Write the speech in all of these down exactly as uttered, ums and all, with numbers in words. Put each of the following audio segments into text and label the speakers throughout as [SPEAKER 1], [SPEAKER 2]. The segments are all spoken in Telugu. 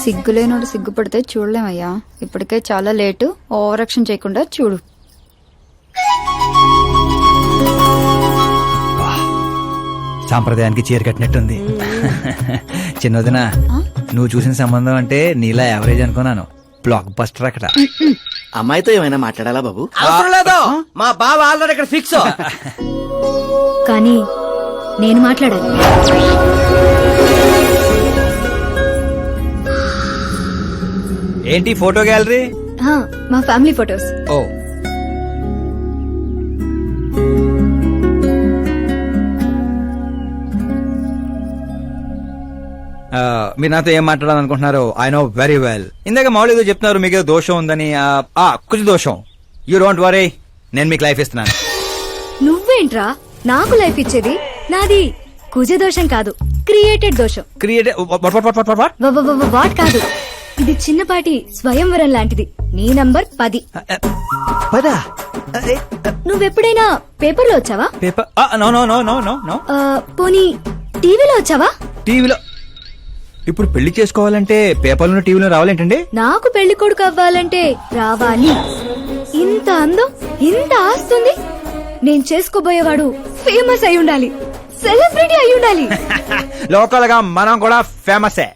[SPEAKER 1] సిగ్గులేనోడు సిగ్గుపడితే చూడలేమయ్యా. ఇప్పటికే చాలా లేటు. ఓవర్ యాక్షన్ చేయకుండా చూడు.
[SPEAKER 2] సాంప్రదాయానికి చీర కట్టినట్టుంది. చిన్నదిన నువ్వు చూసిన సంబంధం అంటే నీలా యావరేజ్ అనుకున్నాను. బ్లాక్ బస్టర్ అక్కడ.
[SPEAKER 3] అమ్మాయితో ఏమైనా మాట్లాడాలా బాబు?
[SPEAKER 4] అవసరం లేదు, మా బావ ఆల్రెడీ ఇక్కడ ఫిక్స్.
[SPEAKER 5] కానీ నేను మాట్లాడాలి.
[SPEAKER 2] ఏంటి ఫోటో గ్యాలరీ?
[SPEAKER 5] ఆ, మా ఫ్యామిలీ ఫొటోస్.
[SPEAKER 2] ఓ మీరు నాతో ఏం మాట్లాడాలనుకుంటున్నారు? I know very well. ఇందాక మామూలు ఏదో చెప్తున్నారు మీకు ఏదో దోషం ఉందని. కుజ దోషం. యూ డోంట్ వరీ, నేను మీకు లైఫ్ ఇస్తున్నాను.
[SPEAKER 5] నువ్వేంట్రా నాకు లైఫ్ ఇచ్చేది? నాది కుజ దోషం కాదు, క్రియేటెడ్ దోషం.
[SPEAKER 2] క్రియేట్
[SPEAKER 5] వాట్ కాదు, ఇది చిన్నపాటి స్వయంవరం లాంటిది. నీ నంబర్ పది.
[SPEAKER 2] పదా?
[SPEAKER 5] నువ్వెప్పుడైనా పేపర్లో వచ్చావా?
[SPEAKER 2] Paper? No no no no no no.
[SPEAKER 5] పోనీ టీవీలో వచ్చావా?
[SPEAKER 2] టీవీలో? ఇప్పుడు పెళ్లి చేసుకోవాలంటే పేపర్లో టీవీలో రావాలేంటండి?
[SPEAKER 5] నాకు పెళ్లి కొడుకు అవ్వాలంటే రావాలి. ఇంత అందం, ఇంత ఆస్తుంది. నేను చేసుకోబోయేవాడు ఫేమస్ అయి ఉండాలి, సెలబ్రిటీ అయి ఉండాలి.
[SPEAKER 2] లోకల్ గా మనం కూడా ఫేమసే.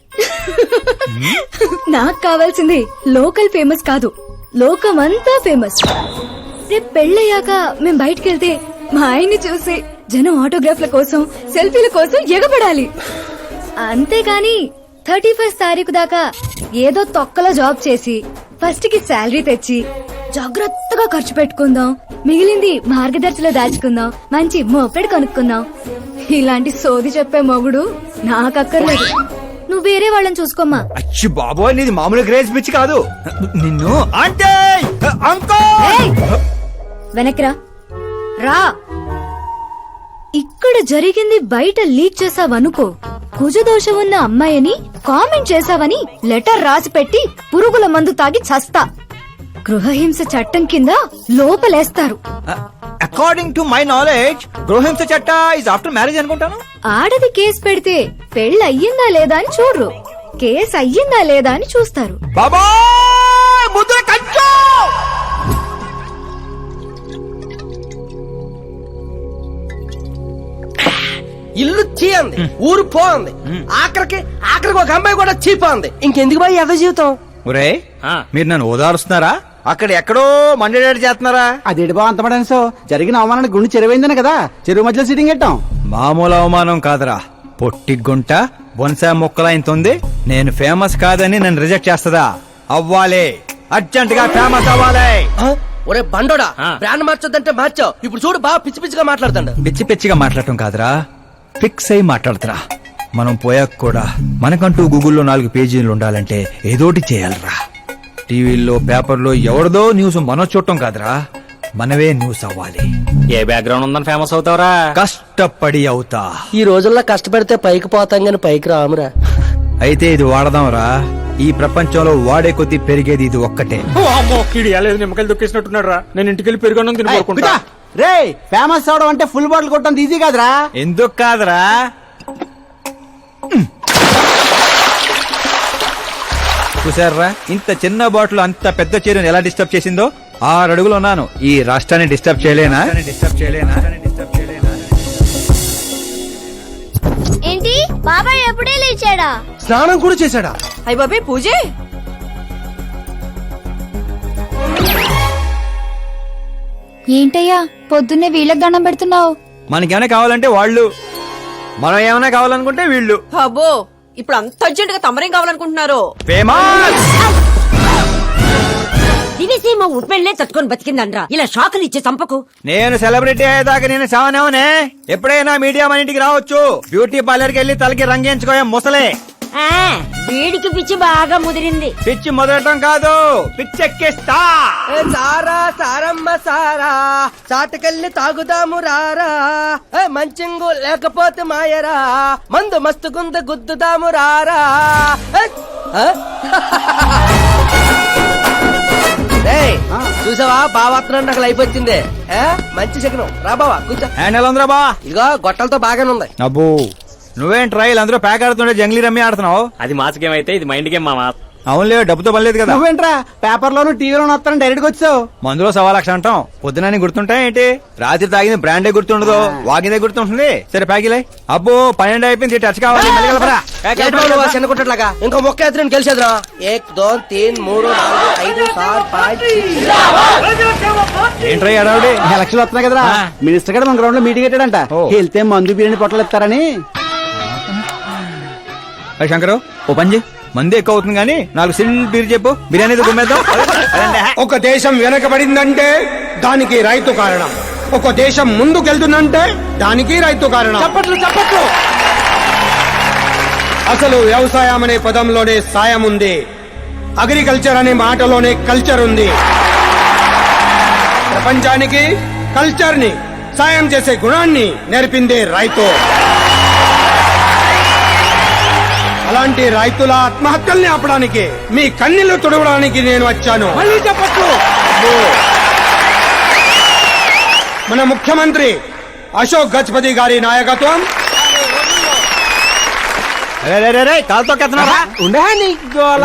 [SPEAKER 5] నాకు కావాల్సింది లోకల్ ఫేమస్ కాదు, లోకమంతా ఫేమస్. రేపు పెళ్ళయ్యాక మేం బయటకెళ్తే మా ఆయన్ని చూసి జనం ఆటోగ్రాఫ్ల కోసం, సెల్ఫీల కోసం ఎగబడాలి. అంతేకాని థర్టీ ఫస్ట్ తారీఖు దాకా ఏదో తొక్కలో జాబ్ చేసి ఫస్ట్ కి శాలరీ తెచ్చి జాగ్రత్తగా ఖర్చు పెట్టుకుందాం, మిగిలింది మార్గదర్శిలో దాచుకుందాం, మంచి మోపెడు కొనుక్కుందాం. ఇలాంటి సోది చెప్పే మొగుడు నాకక్కర్లేదు. నువ్వు వేరే వాళ్ళని చూసుకోమ్మా.
[SPEAKER 2] అచ్చి బాబోయ్, నీది మామూలు గ్రేజ్ పిచ్చి కాదు. నిన్ను అంటే
[SPEAKER 5] వెనక్రా రా. ఇక్కడ జరిగింది బయట లీక్ చేసావనుకో, కుజదోషం ఉన్న అమ్మాయిని కామెంట్ చేసావని లెటర్ రాసి పెట్టి పురుగుల మందు తాగి చస్తా. గృహహింస చట్టం కింద లోపలేస్తారు.
[SPEAKER 2] అకార్డింగ్ టు మై నాలెడ్జ్ గృహహింస చట్ట ఇస్ ఆఫ్టర్ మ్యారేజ్ అనుకుంటాను.
[SPEAKER 5] ఆడది కేసు పెడితే పెళ్లి అయ్యిందా లేదా అని చూడరు, కేసు అయ్యిందా లేదా అని చూస్తారు.
[SPEAKER 2] బాబా ముద్ర కంచు.
[SPEAKER 4] ఇల్లు చీయంది, ఊరు పోంది, ఆఖరికి ఆఖరికి ఒక అమ్మాయి కూడా చీపోంది. ఇంకెందుకు బాయ్ ఎద జీవితం?
[SPEAKER 2] ఒరే, మీరు నన్ను ఓదారుస్తున్నారా? అక్కడ ఎక్కడో మండేడాడు చేస్తున్నారా?
[SPEAKER 3] అదేంటి బావ అంత పడేసో? జరిగిన అవమానానికి గుండె చెరువైందనే కదా చెరువు మధ్యలో సిట్టింగ్ పెట్టాం.
[SPEAKER 2] మామూలు అవమానం కాదురా, పొట్టి గుంట బొన్సా మొక్కలైంతుంది. నేను ఫేమస్ కాదని నన్ను రిజెక్ట్ చేస్తదా? అవ్వాలి, అర్జెంట్ గా ఫేమస్ అవ్వాలి.
[SPEAKER 4] ఒరే బండోడా, బ్రాండ్ మార్చొద్దంటే మార్చావు. ఇప్పుడు చూడు బాగా పిచ్చి పిచ్చిగా మాట్లాడుతాడు.
[SPEAKER 2] పిచ్చి పిచ్చిగా మాట్లాడటం కాదురా, ఫిక్స్ అయి మాట్లాడుతురా. మనం పోయాక కూడా మనకంటూ గూగుల్లో నాలుగు పేజీలు ఉండాలంటే ఏదోటి చేయాలరా. టీవీల్లో పేపర్లో ఎవరిదో న్యూస్ మనం చూడటం కాదురా, మనవే న్యూస్ అవ్వాలి.
[SPEAKER 6] ఏ బ్యాక్గ్రౌండ్ ఉందని ఫేమస్ అవుతావరా?
[SPEAKER 2] కష్టపడి అవుతా.
[SPEAKER 4] ఈ రోజుల్లో కష్టపడితే పైకి పోతాం గాని పైకి రామురా.
[SPEAKER 2] అయితే ఇది వాడదాంరా. ఈ ప్రపంచంలో వాడే కొద్దీ పెరిగేది ఇది ఒక్కటే.
[SPEAKER 6] నిమ్మకాయలు దొక్కేసినట్టున్నాడు రా. నేను ఇంటికి వెళ్ళి పెరుగొన్నం తిని కోరుకుంటా.
[SPEAKER 3] రే, ఫేమస్ అవడం అంటే ఫుల్ బాటిల్ కొట్టడం ఈజీ కాదురా.
[SPEAKER 2] ఎందుకు కాదురా? చూసారా, ఇంత చిన్న బాటిల్ అంత పెద్ద చీరను ఎలా డిస్టర్బ్ చేసిందో. ఆరు అడుగులు ఉన్నాను, ఈ రాష్ట్రాన్ని డిస్టర్బ్ చేయలేనా? డిస్టర్బ్ చేయలేనా? డిస్టర్బ్ చేయలేనా?
[SPEAKER 7] ఏంటి బాబాయ్ ఎప్పుడే లేచాడా?
[SPEAKER 4] స్నానం కూడా చేశాడా?
[SPEAKER 8] అయ్య బాబాయ్ పూజే.
[SPEAKER 1] ఏంటయ్యా పొద్దున్నే వీళ్ళకి దండం పెడుతున్నావు?
[SPEAKER 2] మనకేమైనా కావాలంటే వాళ్ళు, మనం ఏమైనా కావాలనుకుంటే వీళ్ళు.
[SPEAKER 8] అబ్బో, ఇప్పుడు అంత అర్జెంట్ గా తమరేం కావాలనుకుంటున్నారు?
[SPEAKER 2] ఫేమస్.
[SPEAKER 9] దివిసీమ ఉప్పెళ్లే తట్టుకొని బతికిందనరా, ఇలా షాకులు ఇచ్చే చంపకు.
[SPEAKER 2] నేను సెలబ్రిటీ అయ్యేదాకా నేను సావనేవనే. ఎప్పుడైనా మీడియా మన ఇంటికి రావచ్చు. బ్యూటీ పార్లర్ కి వెళ్ళి తలకి రంగేయించుకోయా ముసలే.
[SPEAKER 9] వీడికి పిచ్చి బాగా ముదిరింది.
[SPEAKER 2] పిచ్చి మొదలటం కాదు, పిచ్చెక్కిస్తా.
[SPEAKER 4] సారా సారమ్మ సారా, చాటకెళ్ళి తాగుదాము రారా. మంచింగు లేకపోతే మాయరా, మందు మస్తు గుంద గుద్దుదాము రారా. చూసావా బావాత్రం నాకు లైఫ్ వచ్చింది. మంచి శకనం రా బావా కూర్చో.
[SPEAKER 2] హ్యాండ్ ఎలా ఉందిరా బా?
[SPEAKER 4] ఇదిగో గొట్టలతో బాగానే ఉంది.
[SPEAKER 2] అబ్బో, నువ్వేం ట్రైల్ అందరూ ప్యాక్ ఆడుతుండే జంగ్లీ రమ్మి ఆడుతున్నావు.
[SPEAKER 6] అది మాస్ గేమ్ అయితే ఇది మైండ్ గేమ్ మామా.
[SPEAKER 2] అవునులే, డబ్బుతో పని లేదు కదా.
[SPEAKER 3] నువ్వేంట్రా పేపర్ లోను టీవీలోను వస్తాను డైరెక్ట్ గా వచ్చావు.
[SPEAKER 2] మందులో సవా లక్ష అంటాం, పొద్దునని గుర్తుంటాయి ఏంటి? రాత్రి తాగింది బ్రాండే గుర్తుండదు, వాగిందే గుర్తుంటుంది. సరే ప్యాకిలే. అబ్బో పన్నెండు అయిపోయింది, టచ్ కావాలి. మళ్ళీ కలపరా.
[SPEAKER 4] ఏంటి బాబు నువ్వు చిన్న కుట్టట్లాగా ఇంకో మొక్క ఎత్తుని గెలిచేద్రా. ఏక్ దో తీన్ మూడు నాలుగు ఐదు సార్ పాంచ్
[SPEAKER 2] ఏంట్రై అడావుడి?
[SPEAKER 3] ఎలక్షన్లు వస్తున్నాయి కదరా, మినిస్టర్ గారు మన గ్రౌండ్ లో మీటింగ్ పెట్టాడంట.
[SPEAKER 2] ఓ.
[SPEAKER 3] వెళ్తే మందు బిర్యానీ పొట్టలు ఇస్తారని.
[SPEAKER 2] అరే శంకరు, ఓ పంజి మంది ఎక్కువ అవుతుంది కానీ నాలుగు సిల్ బీర్ చెప్పు, బిర్యానీ గుమ్మేద్దాం.
[SPEAKER 10] ఒక దేశం వెనకబడిందంటే దానికి రైతు కారణం. ఒక దేశం ముందుకెళ్తుందంటే దానికి రైతు కారణం.
[SPEAKER 3] చప్పట్లు చప్పట్లు.
[SPEAKER 10] అసలు వ్యవసాయం అనే పదంలోనే సాయం ఉంది, అగ్రికల్చర్ అనే మాటలోనే కల్చర్ ఉంది. ప్రపంచానికి కల్చర్ ని, సాయం చేసే గుణాన్ని నేర్పిందే రైతు. అలాంటి రైతుల ఆత్మహత్యల్ని ఆపడానికి, మీ కన్నీళ్లు తుడవడానికి నేను వచ్చాను.
[SPEAKER 3] మళ్ళీ చెప్పట్లు.
[SPEAKER 10] మన ముఖ్యమంత్రి అశోక్ గజపతి గారి నాయకత్వం.
[SPEAKER 2] కాలుతో కెత్తనారా?
[SPEAKER 3] ఉండే నీ గోల.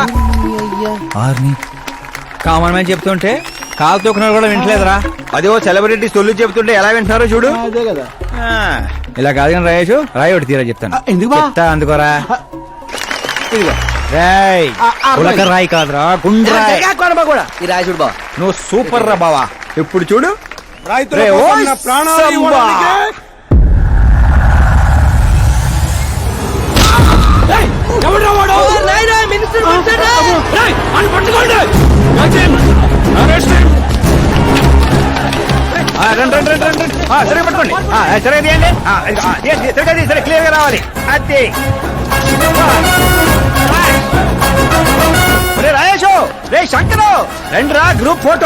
[SPEAKER 2] కామన్ మ్యాన్ చెప్తుంటే కాలు తొక్కున్నారు కూడా వింటలేదురా. అదే ఓ సెలబ్రిటీ సొల్లు చెప్తుంటే ఎలా వింటున్నారో చూడు.
[SPEAKER 3] అదే కదా.
[SPEAKER 2] ఆ, ఇలా కాదు కానీ రాయేషు, రాయి ఒకటి తీరా చెప్తాను.
[SPEAKER 3] ఆ, ఎందుకు బా?
[SPEAKER 2] చెప్తా అందుకోరా.
[SPEAKER 3] ఇదిగో.
[SPEAKER 2] రాయ్
[SPEAKER 3] ఆ, ఆ,
[SPEAKER 2] ఉలక రాయి కాదురా, గుండ్రాయ్.
[SPEAKER 4] కూడా ఈ రాజుడు బా
[SPEAKER 2] నువ్వు సూపర్ రా బావా. ఇప్పుడు చూడు.
[SPEAKER 10] రైతుల
[SPEAKER 2] రే,
[SPEAKER 10] కోసం
[SPEAKER 2] ఓయ్
[SPEAKER 10] నా ప్రాణాలు
[SPEAKER 2] సంబా.
[SPEAKER 10] ఇవ్వడానికే
[SPEAKER 2] ఆ, రండి రండి రండి రండి. ఆ, సరిగ్గా పట్టుకోండి. ఆ, సరిగ్గా తీయండి. ఆ, ఇదిగో, ఆ, తీయండి, సరిగ్గా తీ, సరే క్లియర్ గా రావాలి. అది రే రాయేషు, రే శంకరు, రండి రా గ్రూప్ ఫోటో.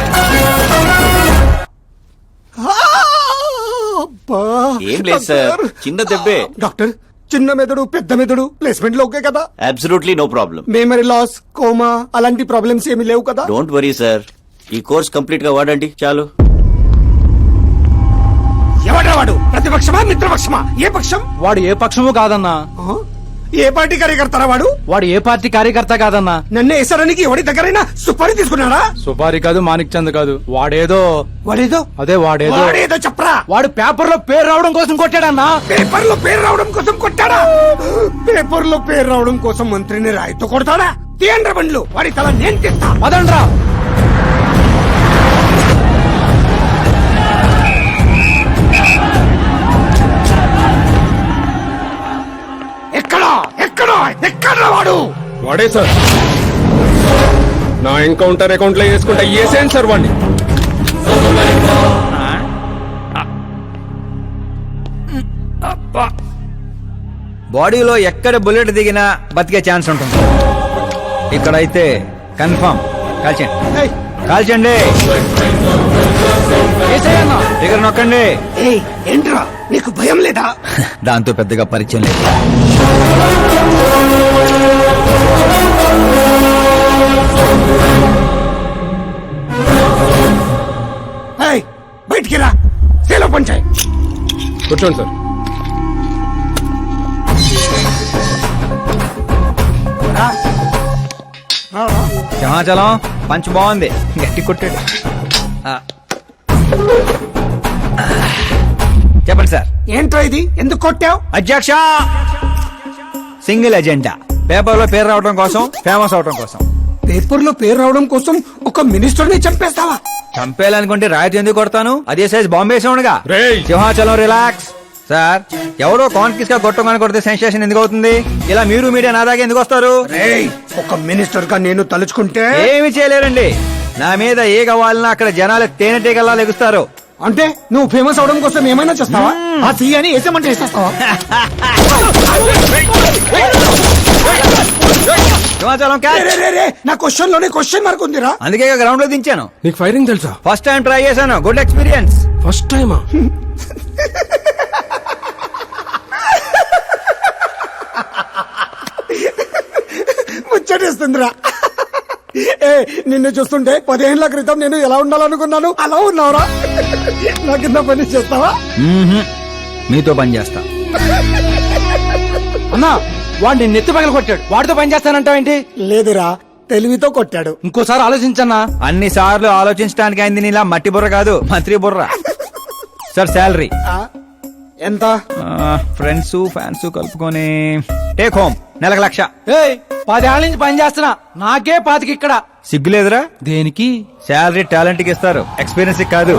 [SPEAKER 11] ఏం లేదు సార్, చిన్న దెబ్బే.
[SPEAKER 10] డాక్టర్, చిన్న మెదడు పెద్ద మెదడు ప్లేస్మెంట్ లో ఓకే కదా?
[SPEAKER 11] Absolutely no problem.
[SPEAKER 10] Memory loss, coma అలాంటి ప్రాబ్లమ్స్ ఏమీ లేవు కదా?
[SPEAKER 11] డోంట్ వరీ సార్, ఈ కోర్స్ కంప్లీట్ గా వాడండి చాలు.
[SPEAKER 10] ఎవడ్రా వాడు? ప్రతిపక్షమా మిత్రపక్షమా? ఏ పక్షం?
[SPEAKER 3] వాడు ఏ పక్షము కాదన్నా.
[SPEAKER 10] ఆ? ఏ పార్టీ కార్యకర్తారా వాడు?
[SPEAKER 3] వాడు ఏ పార్టీ కార్యకర్త కాదన్నా.
[SPEAKER 10] నన్ను వేసడానికి ఎవడి దగ్గరైనా సుపారీ తీసుకున్నాడా?
[SPEAKER 6] సుపారి కాదు, మాణిక్ చంద్ కాదు, వాడేదో
[SPEAKER 10] వాడేదో
[SPEAKER 6] అదే వాడేదో
[SPEAKER 10] వాడేదో చెప్పరా.
[SPEAKER 3] వాడు పేపర్ లో పేరు రావడం కోసం కొట్టాడన్నా.
[SPEAKER 10] పేపర్ లో పేరు రావడం కోసం కొట్టాడా? పేపర్ లో పేరు రావడం కోసం మంత్రిని రాయితో కొడతాడా? తీయండ్ర బండ్లు, వాడి తల నేను తీస్తా.
[SPEAKER 3] పదండ్రా.
[SPEAKER 10] ఎక్కడా ఎక్కడా ఎక్కడ్రా వాడు?
[SPEAKER 6] వాడే సార్. నా ఎన్కౌంటర్ అకౌంట్ లో వేసుకుంటా ఏసేం సార్ వాడిని.
[SPEAKER 2] బాడీలో ఎక్కడ బుల్లెట్ దిగినా బతికే ఛాన్స్ ఉంటుంది. ఇక్కడైతే కన్ఫర్మ్. కాల్చండి
[SPEAKER 10] ఏయ్,
[SPEAKER 2] కాల్చండి. దగ్గర నొక్కండి.
[SPEAKER 10] ఏయ్, ఏంట్రా నీకు భయం లేదా?
[SPEAKER 2] దాంతో పెద్దగా పరిచయం లేదు.
[SPEAKER 10] ఏయ్, బయటికి రా, సేలో పంచాయి.
[SPEAKER 6] కూర్చోండి సార్.
[SPEAKER 2] సింహాచలం పంచ్ బాగుంది, గట్టి కొట్టాడు. ఆ. చెప్పండి సార్.
[SPEAKER 10] ఏంట్రా ఇది? ఎందుకు కొట్టావు?
[SPEAKER 2] అధ్యక్ష, సింగిల్ ఎజెండా, పేపర్ లో పేరు రావడం కోసం, ఫేమస్ అవడం కోసం.
[SPEAKER 10] పేపర్ లో పేరు రావడం కోసం ఒక మినిస్టర్ ని చంపేస్తావా?
[SPEAKER 2] చంపేయాలనుకుంటే రాయితీ ఎందుకు కొడతాను? అదే సైజ్ బాంబే సౌండ్గా.
[SPEAKER 6] రేయ్.
[SPEAKER 2] సింహాచలం రిలాక్స్. సార్, ఎవరో కాన్ఫిస్ గా కొట్టగానే కొడితే సెన్సేషన్ ఎందుకు అవుతుంది? ఇలా మీరు మీడియా నా దాకా ఎందుకు వస్తారు?
[SPEAKER 10] రేయ్, ఒక మినిస్టర్ గా నేను తలుచుకుంటే
[SPEAKER 2] ఏమి చేయలేరండి. నా మీద ఏ కావాలన్నా అక్కడ జనాలు తేనెటీగల్లా లెగుస్తారు.
[SPEAKER 10] అంటే నువ్వు ఫేమస్ అవడం కోసం ఏమైనా చేస్తావా? ఆ సీఎని వేసేమంటే వేసేస్తావా?
[SPEAKER 2] సింహాచలం
[SPEAKER 10] రే,
[SPEAKER 2] క్యాచ్.
[SPEAKER 10] రే, రే, రే, నా క్వశ్చన్ లోనే క్వశ్చన్ మార్క్ ఉందిరా.
[SPEAKER 2] అందుకే గ్రౌండ్ లో దించాను.
[SPEAKER 6] నీకు ఫైరింగ్ తెలుసా?
[SPEAKER 2] ఫస్ట్ టైం ట్రై చేశాను, గుడ్ ఎక్స్పీరియన్స్.
[SPEAKER 6] ఫస్ట్ టైమా?
[SPEAKER 10] ముచ్చటేస్తుందిరా. ఏ, నిన్ను చూస్తుంటే పదిహేనుల క్రితం నేను ఎలా ఉండాలనుకున్నాను అలా ఉన్నావురా. నా కింద పని చేస్తావా?
[SPEAKER 2] మీతో పని చేస్తా.
[SPEAKER 3] అన్నా వాడు నిన్ను ఎత్తి పగల కొట్టాడు వాడితో పని చేస్తానంటావేంటి
[SPEAKER 10] లేదురా తెలివితో కొట్టాడు.
[SPEAKER 3] ఇంకోసారి ఆలోచించన్నా.
[SPEAKER 2] అన్ని సార్లు ఆలోచించడానికి అయింది నీలా మట్టి బుర్ర కాదు మంత్రి బుర్ర. సార్ శాలరీ
[SPEAKER 10] ఆ, ఎంత?
[SPEAKER 2] ఫ్రెండ్స్ ఫ్యాన్స్ కలుపుకొని టేక్ హోమ్ నెలకు లక్ష.
[SPEAKER 3] ఏయ్ పదేళ్ళ నుంచి పని చేస్తున్నా నాకే పాతికి ఇక్కడ.
[SPEAKER 2] సిగ్గులేదురా?
[SPEAKER 3] దేనికి?
[SPEAKER 2] శాలరీ టాలెంట్ కి ఇస్తారు, ఎక్స్పీరియన్స్ కి కాదు.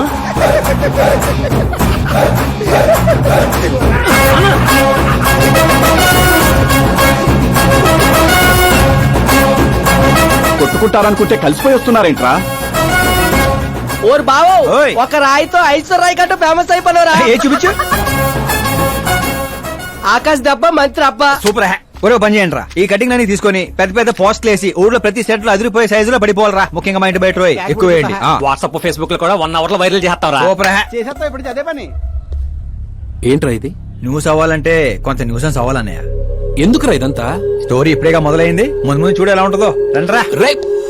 [SPEAKER 3] కొట్టుకుంటారనుకుంటే కలిసిపోయి వస్తున్నారేంట్రా?
[SPEAKER 4] ఓరు బావో
[SPEAKER 2] ఓయ్.
[SPEAKER 4] ఒక రాయితో ఐశ్వర్ రాయ్ కంటూ ఫేమస్ అయిపోయినరా.
[SPEAKER 2] ఏ చూపించు.
[SPEAKER 4] ఆకాశ్ దెబ్బ మంత్రి అబ్బా.
[SPEAKER 2] సూపర్ హ్యా. ఒరే పని చేయండి రా, ఈ కటింగ్ అన్ని తీసుకొని పెద్ద పెద్ద పోస్టులు వేసి ఊర్లో ప్రతి సెట్ లో అదిరిపోయే సైజులో పడిపోవాలరా. ముఖ్యంగా మా ఇంటి బయట రోయ్ ఎక్కువ వేయండి.
[SPEAKER 6] వాట్సాప్ ఫేస్బుక్ లో కూడా వన్ అవర్ లో వైరల్ చేస్తావరా?
[SPEAKER 2] సూపర్ హ్యా.
[SPEAKER 3] చేసేస్తా ఇప్పుడు అదే పని.
[SPEAKER 6] ఏంట్రా ఇది?
[SPEAKER 2] న్యూస్ అవ్వాలంటే కొంత న్యూసెన్స్ అవ్వాలన్నయ్య.
[SPEAKER 6] ఎందుకురా ఇదంతా?
[SPEAKER 2] స్టోరీ ఇప్పుడేగా మొదలైంది, ముందు ముందు చూడు ఎలా ఉంటుందో. రండ్రా.
[SPEAKER 6] రేయ్